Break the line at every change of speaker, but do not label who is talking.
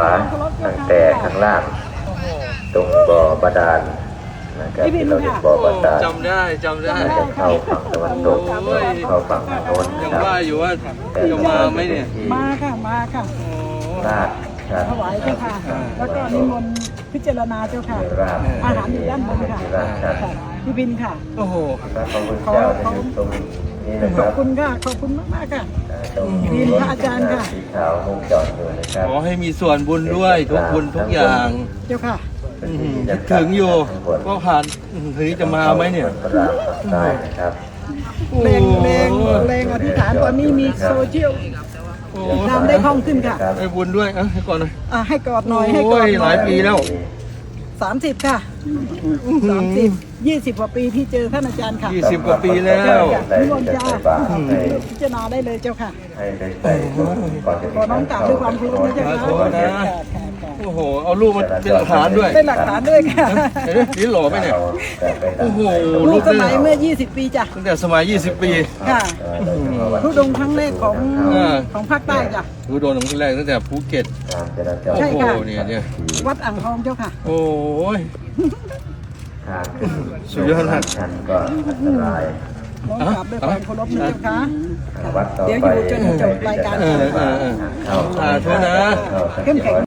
าตั้งแต่ข้างล่างตรงบ่อบาดาลนะครับที่เราเรียกบ่อบาดาล
จำได้
จะเข้าฝั่งตะวันตกเข้าฝั่งโน้น
ยัง
ครับ
ว่าอยู่ว่าจะมาไหมเนี่ย
มาค่ะมาค่ะ
ราดครับ
ถวายเจ้าค่ะ แล้วก็นิมนต์พิจารณาเจ้าค่ะ
ราด
อาหารอยู่ด้านบนค่ะค่ะพี่บินค่ะ
โอ้โห
พระพุทธเจ้าจะอยู่ตรงนี้นะค
ขอ
รั
บบ คุณค่ะขอบคุณมากๆค่ะ
ตรง
บินพระอาจารย์ค่ะ
สีขาวมุงจอดอยู่นะครับ
ขอให้มีส่วนบุญด้วยทุกบุญทุกอย่าง
เจ้าค่ะ
คิดถึงอยู่ก็ผ่านถึงจะมาไหมเนี่ย
พระรามฝั่งซ้ายนะครับ
แรงอธิษฐานตอนนี้มีโซเชียล
โอ้
ทำได้คล่องขึ้นค่ะ
ให้บุญด้วยให้ก่อนหน่อย
ให้กอดหน่อยให้กอด
โอ้ยหลายปีแล้ว
30 ค่ะ 20 กว่าปีที่เจอท่านอาจารย์ค่ะ
20 กว่าปีแล้ว
นิมนต์จ้าพิจารณาได้เลยเจ้าค่ะ
ให้ได้ใส่ก่อนจะ
ขอน้องกราบด้วยความเคารพนะเจ้าค่ะ
ขอโทษนะ โอ้โหเอารูปมาเป็นหลักฐานด้วย
เป็นหลักฐานด้วยค่ะ
เห็นไหมนี่หล่อไหมเนี่ย โอ้โห
รูปสมัย
นี่
เมื่อ 20 ปีจ้ะ
ตั้งแต่สมัย 20 ปี
ค่ะทุดงค์ครั้งแรกของ
อ่า
ของภาคใต้จ้ะ
รู้โดนครั้งแรกตั้งแต่ภูเก็ต โอ้
ใช่
โห
ค่ะ
เนี่ย
วัดอ่างทองเจ้าค่ะ
โอ้ย
ทางขึ้น
สุดยอดมาก
ชันก็อันตราย
น้องกราบด้วยความเคารพนะเจ้าค่ะ
วัดต่อ
เดี๋ยว
ไป
อยู่จนจบรายการ
เออ
เข้า
สาธุนะ
เข้มแข็ง